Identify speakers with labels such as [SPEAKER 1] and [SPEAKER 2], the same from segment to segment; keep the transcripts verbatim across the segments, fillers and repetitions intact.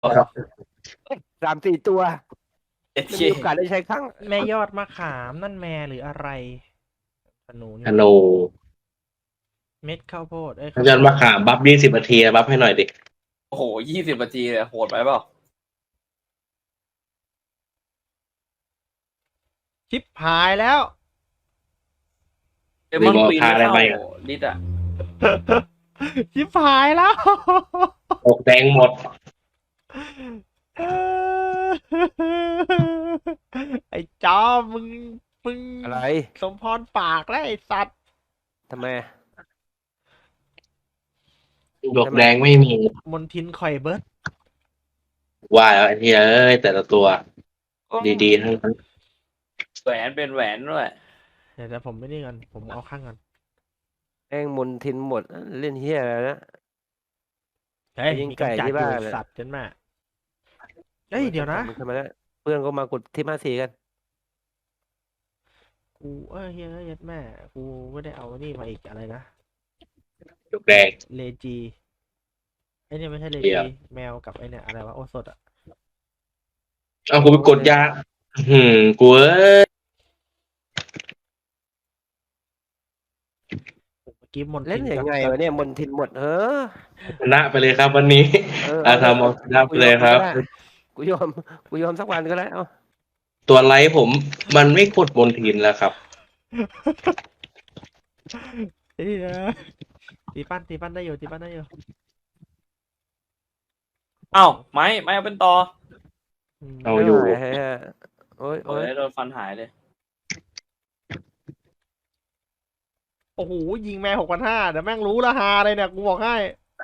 [SPEAKER 1] สามสี่ตัว
[SPEAKER 2] เจ็ด
[SPEAKER 1] ไม่
[SPEAKER 2] เค
[SPEAKER 1] มีโอกาสได้ใช้ครั้ง
[SPEAKER 3] แม่ยอดมะขามนั่นแม่หรืออะไรขนุน
[SPEAKER 4] ฮัลโหล
[SPEAKER 3] เม็ดข้าวโพดเอ้ย
[SPEAKER 4] อาจารย์มาขามบัฟยี่สิบนาทีบัฟให้หน่อยดิ
[SPEAKER 2] โอ้โหยี่สิบนาทีเลยโหดไปเปล่า
[SPEAKER 3] ชิปหายแล้ว
[SPEAKER 2] เดมอนควีน
[SPEAKER 4] พาอะไร
[SPEAKER 2] เข้า
[SPEAKER 4] ไปอ่ะ
[SPEAKER 2] ลิดอ่ะ
[SPEAKER 3] ชิปหายแล้ว
[SPEAKER 4] ตกแดงหมด
[SPEAKER 3] ไอ้จอมมึงมึง
[SPEAKER 1] อะไร
[SPEAKER 3] สมพรปากแล้วไอ้สัตว์
[SPEAKER 1] ทำไม
[SPEAKER 4] ดวกแดงไม่มี
[SPEAKER 3] มนทินคอยเบิร์ด
[SPEAKER 4] ว่าแล้วไอ้เหี้ยเอ้ย แต่ละตัว ดีๆทั้งนั้น
[SPEAKER 2] แหวนเป็นแหวนด้วย
[SPEAKER 3] เดี๋ยวแต่ผมไม่นี่กันผมเอาข้างกัน
[SPEAKER 1] แม่งมนทินหมดเล่นเฮียอะไรนะ
[SPEAKER 3] เฮ้ย
[SPEAKER 1] ไปยิง
[SPEAKER 3] มี
[SPEAKER 1] ไก่
[SPEAKER 3] กำจัด
[SPEAKER 1] ที่
[SPEAKER 3] อ
[SPEAKER 1] บ้า
[SPEAKER 3] ยู่
[SPEAKER 1] นเลย
[SPEAKER 3] สัตว์จนแม่เฮ้ยเดี๋ยวนะ
[SPEAKER 1] มึงทำไมแล้วเพื่อนก็มากดที่มาสีกัน
[SPEAKER 3] กูเอ้ยเฮ้ยเฮ้ยแม่กูไม่ได้เอานี่มาอีกอะไรนะ
[SPEAKER 4] ดวกแดง
[SPEAKER 3] เลจีไอเนี่ยไม่ใช่เล
[SPEAKER 4] เดี๋
[SPEAKER 3] จี
[SPEAKER 4] ยว
[SPEAKER 3] แมวกับไอเนี่ยอะไรวะโอสดอ่ะ
[SPEAKER 4] เอากูไปกดยา หืมกูเอ้ย
[SPEAKER 3] เมื่อกี้มน
[SPEAKER 1] เล่น
[SPEAKER 3] ทิ
[SPEAKER 1] ยังไง
[SPEAKER 3] กับ
[SPEAKER 1] วะเนี่ยมนทินหมดเออ
[SPEAKER 4] ชนะไปเลยครับวันนี้
[SPEAKER 1] เออ
[SPEAKER 4] อาทำเอาชนะไปเลยครับ
[SPEAKER 1] กูยอมกูยอมสักวันก็ได้เอา
[SPEAKER 4] ตัวไลท์ผมมันไม่กดบนทินแล้วครับ
[SPEAKER 3] เฮ้ยตีปั้นตีปั้นได้อยู่ตีปั้นได้อยู่
[SPEAKER 2] เอ้าไม้ไม้เอาเป็นต่อ
[SPEAKER 3] อืม
[SPEAKER 4] เอาอยู่
[SPEAKER 1] ไม่ไหวฮะโอ้ย
[SPEAKER 2] โอ้
[SPEAKER 1] โอ้ย
[SPEAKER 2] ยโดนฟันหายเลย
[SPEAKER 3] โอ้โหยิงแม่หกพันห้าเดี๋ยวแม่งรู้ละฮาเลยเนี่ยกูบอกให้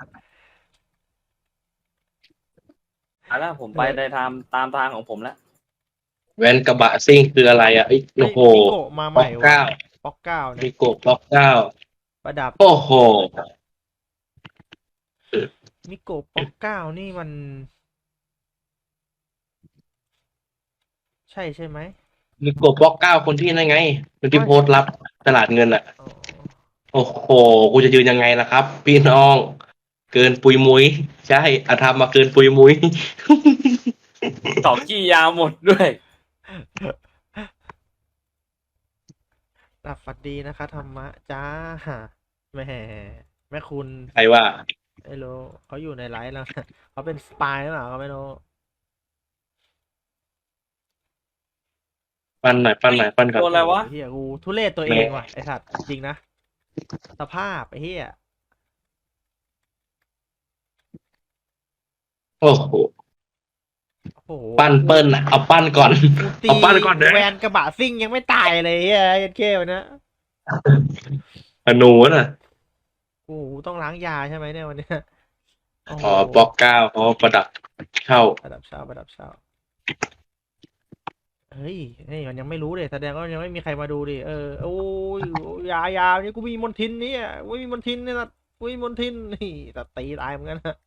[SPEAKER 2] อ่ะแล้วผมไปในทางตามทางของผมแล้ว
[SPEAKER 4] แวนกระบะซิ่งคืออะไรอ่ะไอ้ยโอ้โห
[SPEAKER 3] มิโกะมาให
[SPEAKER 4] ป๊อ
[SPEAKER 3] ม่
[SPEAKER 4] ก
[SPEAKER 3] ว่ะ
[SPEAKER 4] เก้า
[SPEAKER 3] ป๊อกเก้า
[SPEAKER 4] มี
[SPEAKER 3] เนี่ย
[SPEAKER 4] โกบล็อกเก้า
[SPEAKER 3] ประดับ
[SPEAKER 4] โอ้โห
[SPEAKER 3] มิโกะป๊อกเก้านี่มัน ใช่ใช่ไหม
[SPEAKER 4] มีโกบล็อกเก้าคนที่นั่นไงคนที่โพสต์รับตลาดเงินอ่ะ
[SPEAKER 3] อ๋อ
[SPEAKER 4] โอ้โห กูจะยืนยังไงล่ะครับ พี่น้อง เกินปุยมุยใช่อาธรรมมาเกินปุยมุย
[SPEAKER 2] ต่อกี้ยาวหมดด้วย
[SPEAKER 3] หลับฝันดีนะคะธรรมะจ้าแม่แม่คุณ
[SPEAKER 4] ใครว่า
[SPEAKER 3] ไม่รู้เขาอยู่ในไลฟ์แล้วนะเขาเป็นสปายหรือเปล่าก็ไม่รู้
[SPEAKER 4] ปั้นหน่อยปั้นหน่อยปั้นก่อน
[SPEAKER 2] โดนอะไรวะ
[SPEAKER 3] เฮียกูทุเรศตัวเองว่ะไอสัตว์จริงนะสภาพไอเฮีย
[SPEAKER 4] โอ้โห
[SPEAKER 3] โอ้โห
[SPEAKER 4] ปั้นเปิ้ลน่ะเอาปั้นก่อน
[SPEAKER 3] กูตี
[SPEAKER 4] เอาปั้นก่อนเด้อ
[SPEAKER 3] แวนกระบะซิ่งยังไม่ตายเลยเฮียเอ็นเควันนะ
[SPEAKER 4] อนูน่ะ
[SPEAKER 3] โอ้โหต้องล้างยาใช่ไหมเนี่ยวันเนี้ยโโห
[SPEAKER 4] อ๋อบล็อกเก้าเขาประดับเข้า
[SPEAKER 3] ประดับเช้าประดับเช้าเฮ้ยนี่มันยังไม่รู้เลยแสดงว่ายังไม่มีใครมาดูดิเออโอ้ยยายาเนี่ยกูมีมนทินเนี่ยกูมีมนทินเนี่ยนะกูมีมนทินนี่แต่ตีตายเหมือนกันนะ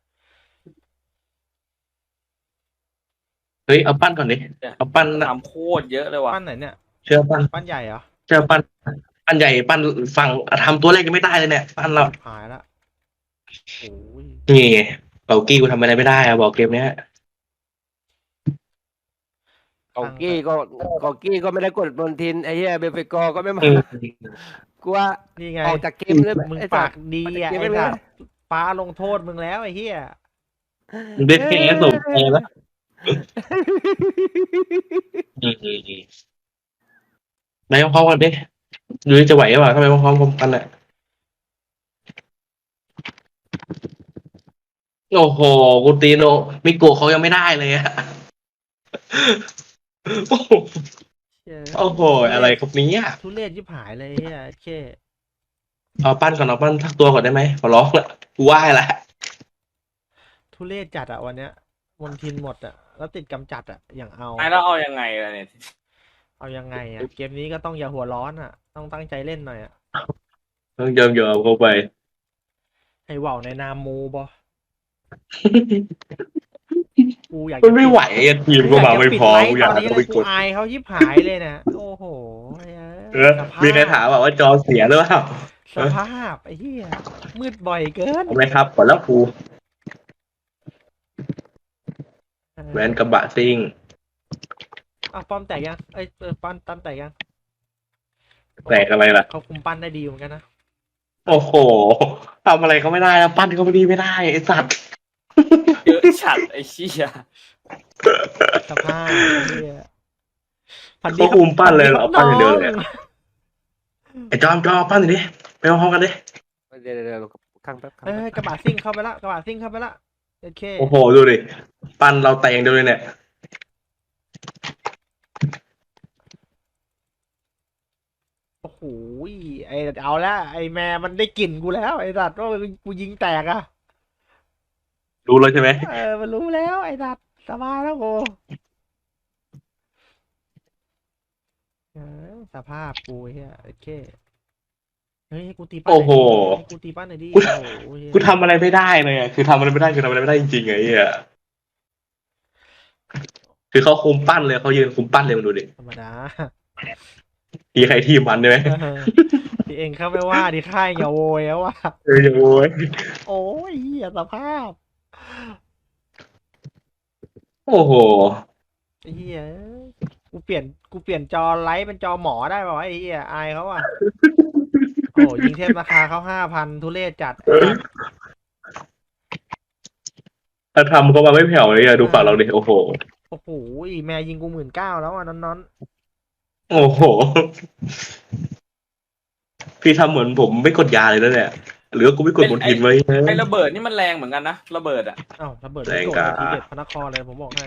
[SPEAKER 4] เฮ้ย เอาปั้นก่อนดิ เอาปั้นนะ
[SPEAKER 2] ทำโคตรเยอะเลยว่ะ
[SPEAKER 3] ปั้นไหนเนี่ย
[SPEAKER 4] เชื่อปั้น
[SPEAKER 3] ปั้นใหญ่เหรอ
[SPEAKER 4] เชื่อปั้น ปั้นใหญ่ปั้นฝั่งทำตัวแรกยังไม่ได้เลยเนี่ย ปั้นเรา
[SPEAKER 3] หายละโอ้ย
[SPEAKER 4] นี่ไงเบากี้กูทำอะไรไม่ได้อะบอกเกมเนี้ย
[SPEAKER 1] กองกี้ก็กองกี้ก็ไม่ได้กดมนทินไอ้เหี้ยเบลเฟกอร์ก็ไม่มา
[SPEAKER 4] อืม
[SPEAKER 1] กูว่า
[SPEAKER 3] นี่ไง
[SPEAKER 1] ออกจากเกมเลย
[SPEAKER 3] มึง
[SPEAKER 1] ไอ้
[SPEAKER 3] ปา
[SPEAKER 1] สั
[SPEAKER 3] ก
[SPEAKER 1] ตว์
[SPEAKER 3] ดีอ่ะ
[SPEAKER 1] ปากดี
[SPEAKER 3] ไอ้
[SPEAKER 1] ไปเลย
[SPEAKER 3] สัตว์ฟ้าลงโทษมึงแล้วไอ้เหี้ย
[SPEAKER 4] มึงได้แค่สมใจแล้วอืมนายพร้อมกันดิดูดิจะไหวหรือเปล่าทำไมพร้อมๆกันอ่ะโอ้โหกูตีโนมิโกะเขายังไม่ได้เลยอะโอ้โห
[SPEAKER 3] เชี่ย
[SPEAKER 4] โอ้โหอะไรครับเนี้
[SPEAKER 3] ทุเรศยิบหายเลยไอ้เหี้ยเช่
[SPEAKER 4] เอาปั้นก่อนเอาปั้นทักตัวก่อนได้ไหมขอร้องละกูไหว้ละ
[SPEAKER 3] ทุเรศจัดอ่ะวันเนี้ยมนทินหมดอ่ะแล้วติดกำจัดอ่ะอย่างเอา
[SPEAKER 2] ไอ้แล้วเอายังไงล่ะเนี่ย
[SPEAKER 3] เอายังไงอ่ะเกมนี้ก็ต้องอย่าหัวร้อนอ่ะ ต้องตั้งใจเล่นหน่อยอ่ะ
[SPEAKER 4] ต้องยอมยอมเข้าไป
[SPEAKER 3] ให้ว่าวในนามมูบอกูอยาก
[SPEAKER 4] มันไม่ไหวไอ้ทีมก็มาไม่พอกูอยาก
[SPEAKER 3] ตอนนี้
[SPEAKER 4] จะ
[SPEAKER 3] เล
[SPEAKER 4] ไป
[SPEAKER 3] ยกู
[SPEAKER 4] กด
[SPEAKER 3] อายเขายิบหายเลยนะโอ้โห
[SPEAKER 4] เออ
[SPEAKER 3] สภาพ
[SPEAKER 4] มีใครถามว่าจอเสียหรือเปล่า
[SPEAKER 3] สภาพไอ้เหี้ยมืดบ่อยเกิน
[SPEAKER 4] ทำไมครับก่อนแล้วครูแวนกระบะซิ่ง
[SPEAKER 3] อ้าวป้อมแตกยังเอ้ยเออปั้นตั้มแตกยัง
[SPEAKER 4] แตกอะไรล่ะ
[SPEAKER 3] เขาคุมปั้นได้ดีเหมือนกันนะ
[SPEAKER 4] โอ้โหทำอะไรก็ไม่ได้นะปั้นก็ไม่ดีไม่ได้ไอ้สัตว์
[SPEAKER 2] เยอะฉัดไอ้เชี่ย
[SPEAKER 3] สภาพเหี้ยพันดี
[SPEAKER 4] เขา
[SPEAKER 3] ครับ
[SPEAKER 4] คุมปั้นเลยเหรอ
[SPEAKER 3] พั
[SPEAKER 4] ปั้นอย่างเดียวเลย
[SPEAKER 3] น้
[SPEAKER 4] อะ ไอ้จอมจอมปั้นหน่อยดิไปพร้อมกันดิ
[SPEAKER 1] เดี๋ยวเดี๋ยวเดี๋ยวข้างแป๊บข้าง
[SPEAKER 3] เอ้ย
[SPEAKER 1] แป๊บ
[SPEAKER 3] กระบะซิ่งเข้าไปละกระบะซิ่งเข้าไปละโอเค
[SPEAKER 4] โอ้โหดูดิปั้นเราแตกอย่างเดียวเลยเนี่ย
[SPEAKER 3] โอ้โหไอ้เอาละไอ้แม่มันได้กลิ่นกูแล้วไอ้สัตว์ว่ากูยิงแตกอะ
[SPEAKER 4] รู้แล้วใช่ไหม
[SPEAKER 3] เออมันรู้แล้วไอ้สัตว์สบายแล้วกูเออสภาพกูเฮียโอเคเฮ้ยให้กูตีปั้น
[SPEAKER 4] โอ้โห
[SPEAKER 3] ให้กูตีปั้นหน่อยดิ
[SPEAKER 4] กู
[SPEAKER 3] โอ้โหเหี้ย
[SPEAKER 4] กูทำอะไรไม่ได้เลยอะคือทำอะไรไม่ได้คือทำอะไรไม่ได้จริงๆไงเหี้ยคือเขาคุมปั้นเลยเขายืนคุมปั้นเลยมาดูดิ
[SPEAKER 3] ธรรมดา
[SPEAKER 4] ทีใครทีมมันใช่ไหม
[SPEAKER 3] เออที่เองเข้าไปว่าดิค่ายอย่าโวยแล้วว่ะ
[SPEAKER 4] เอออย่างโว้ย
[SPEAKER 3] โอ้ยเหี้ยสภาพ
[SPEAKER 4] โอ้โห
[SPEAKER 3] ไอ้เหี้ยกูเปลี่ยนกูเปลี่ยนจอไลท์เป็นจอหมอได้ป่าวะไอ้เหี้ยอายเขาอ่ะโอ้ยิงเทพราคาเขาห้าพันทุเรศจัด
[SPEAKER 4] ถ้าทำก็มาไม่แผ่วเลยอะดูฝั่งเราดิโอ้โห
[SPEAKER 3] โอ้โหแม่ยิงกูหมื่นเก้าแล้วอ่ะนอน
[SPEAKER 4] โอ้โห พี่ทำเหมือนผมไม่กดยาเลยนะเนี่ยหรือว่ากูไม่กดบนทินไว้
[SPEAKER 2] ไอ้ระเบิดนี่มันแรงเหมือนกันนะระเบิดอ่ะ
[SPEAKER 3] ๆอ้าวระเบิด
[SPEAKER 4] แรง
[SPEAKER 3] โดด
[SPEAKER 4] กา
[SPEAKER 3] ทีเด็ดพระนครเลยผมบอกให้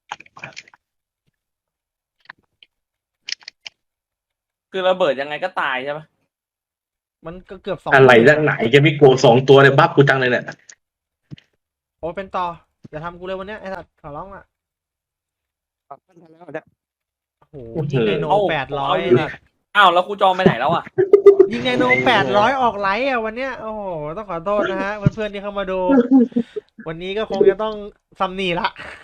[SPEAKER 2] คือระเบิดยังไงก็ตายใช่ปะ
[SPEAKER 3] มันก็เกือบสอง
[SPEAKER 4] อะไรด้านไหนแกไม่โกรธสองตัวเลยบัฟกูจังเลยเนี่ย
[SPEAKER 3] โอ้เป็นต่ออย่าทำกูเลยวันเนี้ยไอ้สัตว์ขอร้องอ่ะ
[SPEAKER 1] ปั้นทันแล้วเนี่ย
[SPEAKER 3] โอ้โหยิงไดโนแปดร้อย
[SPEAKER 2] เาดิอ้าวแล้วครูจอมไปไหนแล้วอ่ะ
[SPEAKER 3] ยิงไดโนแปดร้อยออกไลท์อ่ะวันเนี้ยโอ้โหต้องขอโทษนะฮะเพื่อนๆที่เข้ามาดู วันนี้ก็คงจะต้องซัมนีละ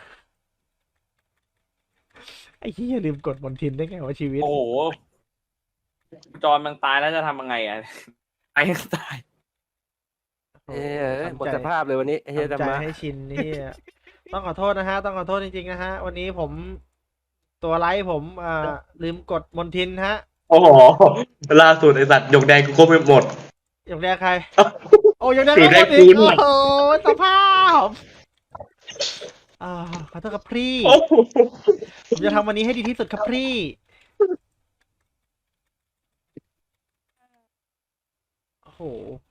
[SPEAKER 3] ไอ้ที่อย่าลืมกดบนทินได้ไงวะชีวิต
[SPEAKER 2] โอ้โหครูจอมมันตายแล้วจะทำยังไงอ่ะตายยังตาย
[SPEAKER 1] เอ้ยหมดสภาพเลยวันนี้เฮ้ย
[SPEAKER 3] ทำ
[SPEAKER 1] จะ
[SPEAKER 3] ใจ
[SPEAKER 1] มา
[SPEAKER 3] ให้ชินนี่ต้องขอโทษนะฮะ ต้องขอโทษจริงๆนะฮะ วันนี้ผมตัวไลท์ผมอ่าลืมกดมนทินฮะ
[SPEAKER 4] โอ้โหล่าสุดไอสัตว์หยกแดงกูก็ไม่หมด
[SPEAKER 3] อย่างแรกใคร โอ้ยังได้
[SPEAKER 4] สี
[SPEAKER 3] ไม่
[SPEAKER 4] แด
[SPEAKER 3] หม
[SPEAKER 4] ง
[SPEAKER 3] ดอีก
[SPEAKER 4] กู
[SPEAKER 3] โอ้โหสภาพอ่าขอโทษครับพี่
[SPEAKER 4] โอ้โห
[SPEAKER 3] ผมจะทำวันนี้ให้ดีที่สุดครับพี่โอ้โห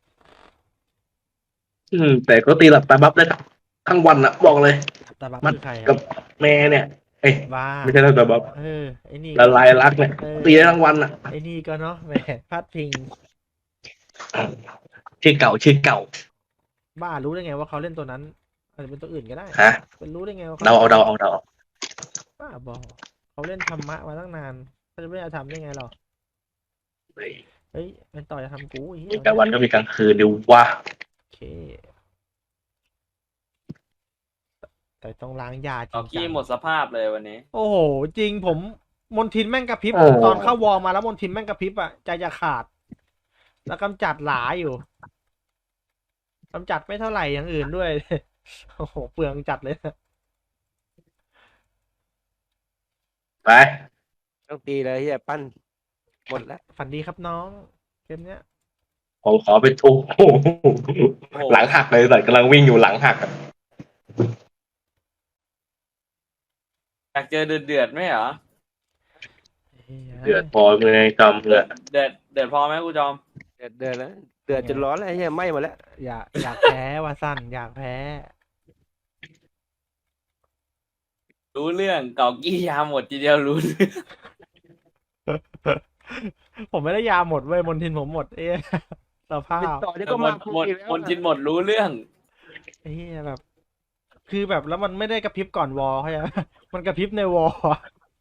[SPEAKER 4] อืมแต่ก็ตีหลับตาบัฟได้ทั้งวันอะบอกเลย
[SPEAKER 3] ตาบัก
[SPEAKER 4] มัน
[SPEAKER 3] คือใคร
[SPEAKER 4] กั
[SPEAKER 3] อะ
[SPEAKER 4] บแม่เนี่ย เอ้ย
[SPEAKER 3] บ้า
[SPEAKER 4] ไม่ใช่ตาบัฟ
[SPEAKER 3] เออไอ้นี่
[SPEAKER 4] ละลายรักเนี่ยตีได้ทั้งวันอะ
[SPEAKER 3] ไอ้นี่ก็เนาะแหมพัดพิง
[SPEAKER 4] ชื่อเก่าชื่อเก่า
[SPEAKER 3] บ้ารู้ได้ไงว่าเขาเล่นตัวนั้นอาจจะเป็นตัวอื่นก็ได้
[SPEAKER 4] ฮะ
[SPEAKER 3] เป็นรู้ได้ไงว่า
[SPEAKER 4] เดาเอาเดาเอาเดาเอา
[SPEAKER 3] บ้าบอเขาเล่นธรรมะมาตั้งนานเขาจะไม่ได้ทำได้ไงหรอ
[SPEAKER 4] เฮ้ย
[SPEAKER 3] เฮ้ยเป็นต่อจะทำกูไอ้เหี้
[SPEAKER 4] มี
[SPEAKER 3] ย
[SPEAKER 4] กลางวันก็มีกลางคืนดูว่า
[SPEAKER 3] โอเค แต่ต้องล้างยาจริ
[SPEAKER 2] เอา
[SPEAKER 3] ง
[SPEAKER 2] กี้
[SPEAKER 3] จัง
[SPEAKER 2] หมดสภาพเลยวันนี้
[SPEAKER 3] โอ้โห จริงผมมนทินแม่งกระพริบตอนเข้าวอลมาแล้วมนทินแม่งกระพริบอ่ะใจจะขาด แล้วกำจัดหลาอยู่กำจัดไม่เท่าไหร่อย่างอื่นด้วย โอ้โหเปลืองจัดเลย
[SPEAKER 4] ไป
[SPEAKER 1] ต้องตีเลยเฮียปั้นหมดแล้ว
[SPEAKER 3] ฝันดีครับน้องเกมเนี้ย
[SPEAKER 4] ผมขอไปทุกหลังหักเลยแต่กำลังวิ่งอยู่หลังหักอะ
[SPEAKER 2] อยากเจอเดือดเดือดๆไหมเหรอ
[SPEAKER 4] เดือดพอเลยกำเลย
[SPEAKER 2] เดือดเดือดพอไหมครูจอม
[SPEAKER 1] เดือดเดือดแล้วเดือดจนร้อนแล้วเฮียไหม้หมดแล้ว
[SPEAKER 3] อยากอยากแพ้ว่าสั้นอยากแพ้
[SPEAKER 2] รู้เรื่องเก่ากี้ยาหมดทีเดียวรู้เรื่อง
[SPEAKER 3] ผมไม่ได้ยาหมดเว้ยมนทินผมหมด เอ๊ะสภา
[SPEAKER 1] ติด
[SPEAKER 3] พ
[SPEAKER 1] ต่อเดี๋ยว
[SPEAKER 2] ห
[SPEAKER 1] ก็
[SPEAKER 2] ม
[SPEAKER 1] มา
[SPEAKER 2] ด
[SPEAKER 1] คุ
[SPEAKER 2] หมด
[SPEAKER 1] ยแล้ว
[SPEAKER 2] หมดจินหมดรู้เรื่อง
[SPEAKER 3] เอ๊ะแบบ คือแบบแล้วมันไม่ได้กระพริบก่อนวอลเข้าใจไหม มันกระพริบในวอลอะ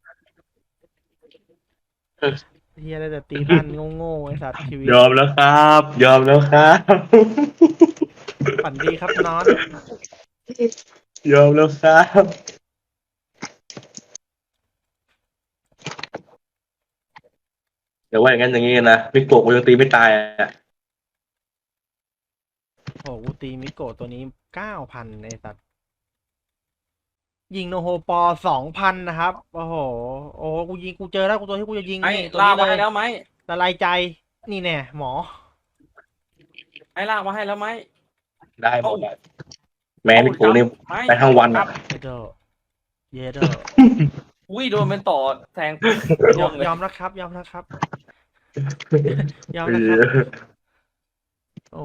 [SPEAKER 3] เฮียได้แต่ตีพันโง่ๆไอ้สัตว์ชีวิต
[SPEAKER 4] ยอมแล้วครับ ยอมแล้วครับ
[SPEAKER 3] ฝันดีครับน้อง
[SPEAKER 4] ยอมแล้วครับ เดี๋ยวว่าอย่างนั้นอย่างนี้นะมิโกะกูยังตีไม่ตายอ่ะ
[SPEAKER 3] โอ้โหกูตีมิโกะตัวนี้เก้าพันไอ้สัตว์ยิงโนโฮปอสองพันนะครับ โอ้โห โอ้โหกูยิงกูเจอแล้วกูตัวที่กูจะยิง
[SPEAKER 2] ไอ้
[SPEAKER 3] นี่ตัว
[SPEAKER 2] ลาก
[SPEAKER 3] นี้
[SPEAKER 2] มา
[SPEAKER 3] เล
[SPEAKER 2] ให้
[SPEAKER 3] ย
[SPEAKER 2] แล้วไหม
[SPEAKER 3] ละลายใจ นี่แน่หมอ
[SPEAKER 2] ไอ้ลากมาให้แล้วไหม
[SPEAKER 4] ได้หมดอะแม่นี่กูนี่
[SPEAKER 2] ไม้
[SPEAKER 4] ไปทั้งวันอะ
[SPEAKER 3] เยเดอเยเดอ
[SPEAKER 2] อุ้ยโดนเป็นต่อแทง
[SPEAKER 3] ย
[SPEAKER 2] ร่
[SPEAKER 3] อ
[SPEAKER 2] ว
[SPEAKER 3] ม
[SPEAKER 2] งเลย
[SPEAKER 3] ยอมนะครับ ยอมนะครับ ยอมนะครับ โอ้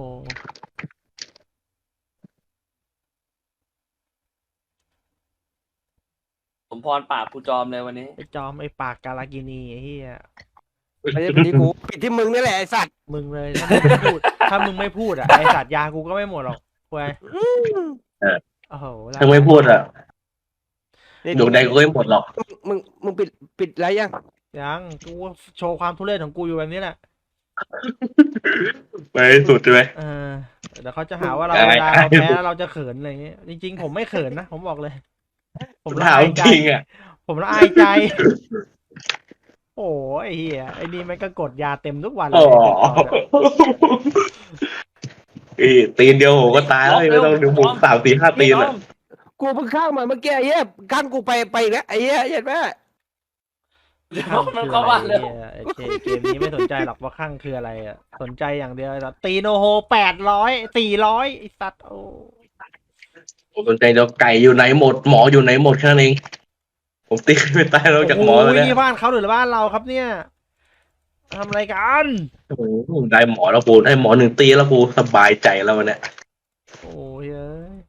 [SPEAKER 2] สมพรปากกูจอมเลยวันนี้
[SPEAKER 3] ไอจอมไอปากกาลากินีไอ้เหี้ย
[SPEAKER 1] ไม่ใช่เป็นที่กูปิดที่มึงนี่แหละไอ้สัตว์
[SPEAKER 3] มึงเลยถ้ามึงไม่พูด ถ้ามึงไม่พูดอ่ะไอสัตว์ยากูก็ไม่หมดหรอกควยโอ้โห
[SPEAKER 4] ถ้าไม่พูดอะอยู่ใดกูก็ไม่หมดหรอก
[SPEAKER 1] มึงมึงปิดปิดอะไรยัง
[SPEAKER 3] ยังกูโชว์ความทุเรศของกูอยู่แบบนี้แหละ
[SPEAKER 4] ไปสุดใช่ไหม
[SPEAKER 3] เออเดี๋ยวเขาจะหาว่าเรา
[SPEAKER 4] ได้
[SPEAKER 3] เวลาเรา
[SPEAKER 4] ได้
[SPEAKER 3] แพ้แล้วเราจะเขินอะไรอย่างเงี้ยจริงๆผมไม่เขินนะผมบอกเลย ผมละ
[SPEAKER 4] ถาม
[SPEAKER 3] อายใจ
[SPEAKER 4] จริงอะ
[SPEAKER 3] ผมละอายใจ โอ้ยไอ้เหี้ยไอ้นี่มันก็กดยาเต็มทุกวันเล
[SPEAKER 4] อ๋
[SPEAKER 3] ย
[SPEAKER 4] ออีตีนเดียวผมก็ตายแล้วไม่ต้องเดี๋ยวผมสามสี่ห้าตีน
[SPEAKER 2] ไม่
[SPEAKER 4] เลย
[SPEAKER 2] ต้อง
[SPEAKER 1] กูเพิ่งข้างมาเมื่อกี้ไอ้เหี้ยข้างกูไปไปอีกแล้วไอ้เหี้ยเห็นไหม
[SPEAKER 2] เดี๋ยว
[SPEAKER 3] ข้าง
[SPEAKER 2] มัน
[SPEAKER 3] คือ
[SPEAKER 2] เข้า
[SPEAKER 3] อะไร
[SPEAKER 2] บ้านเลย
[SPEAKER 3] เหี้ยไอ้เจเกมนี้ไม่สนใจหรอกว่าข้างคืออะไรอ่ะสนใจอย่างเดียวแบบตีโนโฮแปดร้อยสี่ร้อยไอ้สัตว์โอ้
[SPEAKER 4] ผมสนใจเดี๋ยวไก่อยู่ไหนหมดหมออยู่ไหนหมดแค่นั้นเองผมตีไม่ตายแล้วจากหมอแล้ว
[SPEAKER 3] โอ้ย
[SPEAKER 4] เนี่ย
[SPEAKER 3] นี่บ้านเขาหรือบ้านเราครับเนี่ยทำอะไรกัน
[SPEAKER 4] โอ้โหได้หมอแล้วกูได้หมอหนึ่งตีแล้วกูสบายใจแล้ววันเนี้ย
[SPEAKER 3] โอ้ยเอ้ย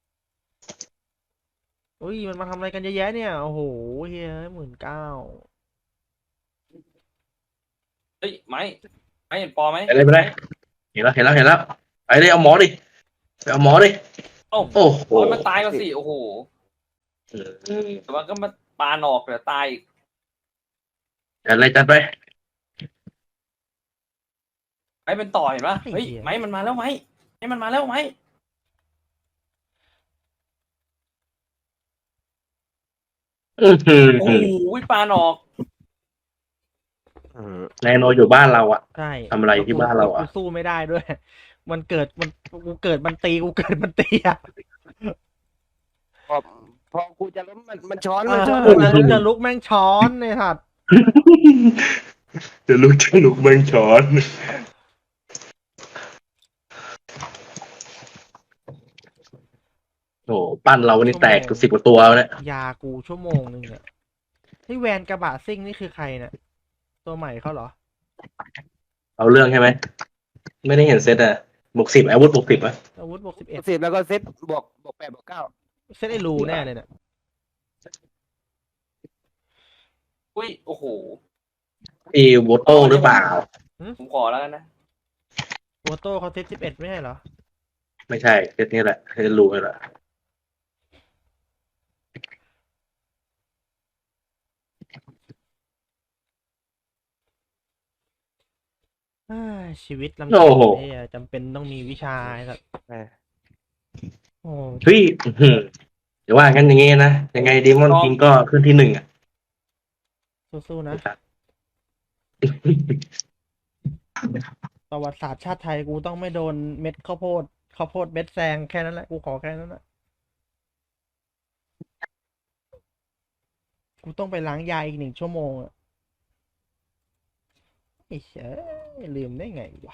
[SPEAKER 3] โอ้ยมันมาทำอะไรกันเยอะแยะเนี่ยโอ้โหเฮ้ยหมื่นเก้า
[SPEAKER 2] เฮ้ยไม้ไม้เห็นปอไหม
[SPEAKER 4] ไปเลยไปเลยเห็นแล้วเห็นแล้วเห็นแล้วไปเลยเอาหมอดิไปเอาหมอดิ
[SPEAKER 2] โอ้
[SPEAKER 4] โอ้โห
[SPEAKER 2] โอ้ยมันตายก็สิโอ้โหแต่ว่าก็มาปาหนอกเดี๋ยวตายอีก
[SPEAKER 4] จัดเลยจัดไป
[SPEAKER 2] ไม้เป็นต่อเห็นปะเฮ้ยไม้มันมาแล้วไหมไม้มันมาแล้วไหม
[SPEAKER 4] อื้อหือ
[SPEAKER 2] โอ้โหปาหนอก
[SPEAKER 4] นายโนอยู่บ้านเราอะ
[SPEAKER 3] ใช่
[SPEAKER 4] ทำอะไรที่บ้านเราอะ
[SPEAKER 3] กูสู้ไม่ได้ด้วย มันเกิดมันกูเกิดมันตีกูเกิดมันตีอะ
[SPEAKER 1] พอพอกูจะล้มมันมันช้อน
[SPEAKER 3] เอ
[SPEAKER 1] มันช้อน
[SPEAKER 3] อจะลุกจะลุกแม่งช้อนในสัตว์
[SPEAKER 4] จะลุกจะลุกเมืองช้อนโอ้ปั้นเราวันนี้แตกสิบกว่าตัวแล้วเนี่ย
[SPEAKER 3] ยากูชั่วโมงหนึ่งอะที่แวนกระบะซิ่งนี่คือใครเนี่ยตัวใหม่เขาเหรอ
[SPEAKER 4] เอาเรื่องใช่ไหมไม่ได้เห็นเซตอะบวกสิบอาวุธบวกสิบอะ
[SPEAKER 3] อาวุธบวกสิบเอ็ด
[SPEAKER 1] สิบแล้วก็เซตบวกบวกแปดบวกเก้า
[SPEAKER 3] เซตไอ้รูแน่เลยเนี่ย
[SPEAKER 2] อุ้ยโอ้โห
[SPEAKER 4] อีโวโต้หรือเปล่า
[SPEAKER 2] ผมขอแล้วกันนะ
[SPEAKER 3] โวโต้เขาเซตสิบเอ็ดไม่ใช่เหรอ
[SPEAKER 4] ไม่ใช่เซตนี้แหละเซตรูนี่แหละ
[SPEAKER 3] เอ้ยชีวิตลำบาก
[SPEAKER 4] โอ้โห
[SPEAKER 3] เนี่ยจำเป็นต้องมีวิชาไอ้สัตว์โอ้
[SPEAKER 4] เฮ้ยอื้อหือเดี๋ยวว่างั้นอย่างงี้นะยังไงดีมอนคิงก็ขึ้นที่หนึ่งอะ
[SPEAKER 3] สู้ๆนะ ประวัติศาสตร์ชาติไทยกูต้องไม่โดนเม็ดข้าวโพดข้าวโพดเม็ดแซงแค่นั้นแหละกูขอแค่นั้นแหละกูต้องไปล้างยาอีกหนึ่งชั่วโมงอะไอ้เหี้ยลืมได้ไงวะ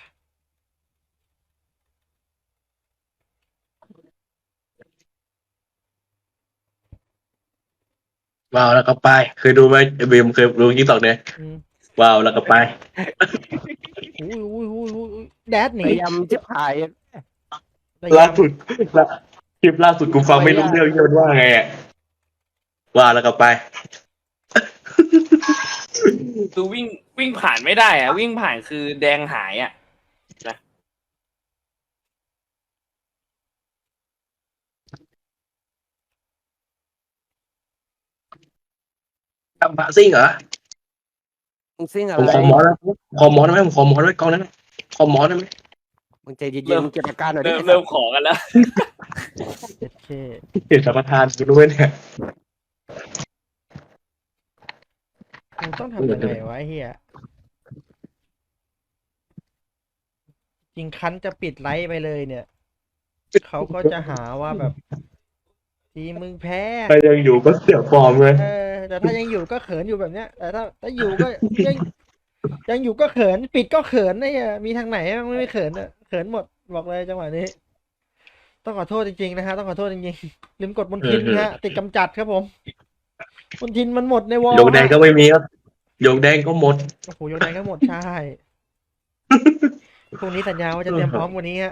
[SPEAKER 4] ว้าวแล้วก็ไปเคยดูไหมเบมเคยดูยี่ตอกเนี่ย
[SPEAKER 3] อืม
[SPEAKER 4] ว้าวแล้วก็ไป
[SPEAKER 3] อุ้ยอุ้ยอุ้ยอุ้ยอุ้ยแดดหนี
[SPEAKER 1] พยายามชิบหาย
[SPEAKER 4] ล่าสุดล่าคลิปล่าสุดกูฟังไม่รู้เรื่องที่มันว่าไงอ่ะว้าวแล้วก็ไป
[SPEAKER 2] คือวิ่งวิ่งผ่านไม่ได้อะวิ่งผ่านคือแดงหายอะ
[SPEAKER 4] ทำพระซิ่งเหรอ
[SPEAKER 1] มึงซิ่งอะ
[SPEAKER 4] ผม
[SPEAKER 1] ไร
[SPEAKER 4] ขอหมอนะขอหมอได้ไหมผมขอหมอด้วยกองนั้นนะขอหมอได้ไหม
[SPEAKER 1] มึงใจเย็นๆมึงเก็บอาการหน่อยดิ
[SPEAKER 2] เริ่มเริ่มขอกันแล้ว
[SPEAKER 3] เจ็ดเค
[SPEAKER 4] เห็นสัมปทานกูด้วยเนี่ย
[SPEAKER 3] มึงต้องทำยังไงวะไอ้เฮียจริงคันจะปิดไลฟ์ไปเลยเนี่ยเขาก็จะหาว่าแบบทีมมึงแพ้
[SPEAKER 4] ถ้ายังอยู่ก็เสียฟอร์มเลย
[SPEAKER 3] เออแต่ถ้ายังอยู่ก็เขินอยู่แบบเนี้ย แต่ถ้าถ้าอยู่ก็ยังยังอยู่ก็เขิน ปิดก็เขินนะเนี่ยมีทางไหนมันไม่เขินอะเขินหมดบอกเลยจังหวะนี้ ต้องขอโทษจริงๆนะฮะต้องขอโทษจริงๆลืมกดมนทินฮะติดกำจัดครับผมมนทินมันหมดในวอล
[SPEAKER 4] โยกแดงก็ไม่มีครับโยกแดงก็หมด
[SPEAKER 3] โอ้โหโยนแดงก็หมดใช่พรุ่งนี้สัญญาว่าจะเตรียมพร้อมกว่านี้ฮะ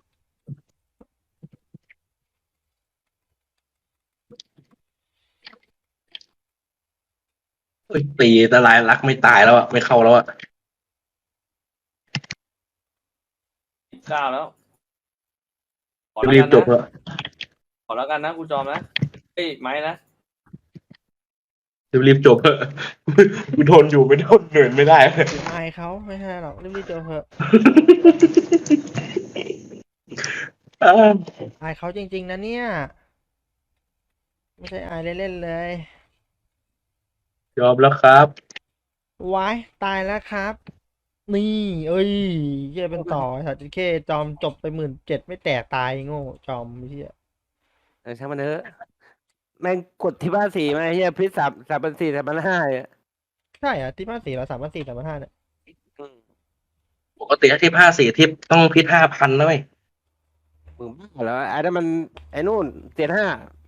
[SPEAKER 4] เอ้ยตีตะลายรักไม่ตายแล้วอะไม่เข้าแล้วอะ
[SPEAKER 2] สิบเก้าแล้วขอแล้ว
[SPEAKER 4] รีบ
[SPEAKER 2] กัน
[SPEAKER 4] จบ
[SPEAKER 2] นะ
[SPEAKER 4] แล้ว
[SPEAKER 2] ขอแล้วกันนะกูจอมนะเฮ้ยไม้นะ
[SPEAKER 4] รีบจบเถอะกูทนอยู่ไม่ทนเหนื่อยไม่ได้
[SPEAKER 3] อายเขาไม่ใช่หรอกรีบๆเจอเถอะ
[SPEAKER 4] อ้าว
[SPEAKER 3] อายเขาจริง ๆนะเนี่ยไม่ใช่อายเล่นๆเลย
[SPEAKER 4] ยอมแล้วครับ
[SPEAKER 3] วายตายแล้วครับ นี่ เอ้ยเฮียเป็นต่อสัตว์เคจอมจบไปหมื่นเจ็ดไม่แตกตายโง่จอมเฮีย
[SPEAKER 1] เออช่างมันเถอะแม่งกดที่บ้านสี่มาไอ้เฮียพิษสามสามพันสี่สามพันห้าอ่ะ
[SPEAKER 3] ใช่เหรอ่ะที่บ้านสี่เราสามพันสี่สามพันห้าเนี่ย
[SPEAKER 1] อืม
[SPEAKER 4] ปกติถ้าทิปห้าสี่ทิปต้องพิษห้าพันนะเว้ย
[SPEAKER 1] มึงบ้าเหรอไอ้นั่นมันไอ้นู่นเจ็ดห้า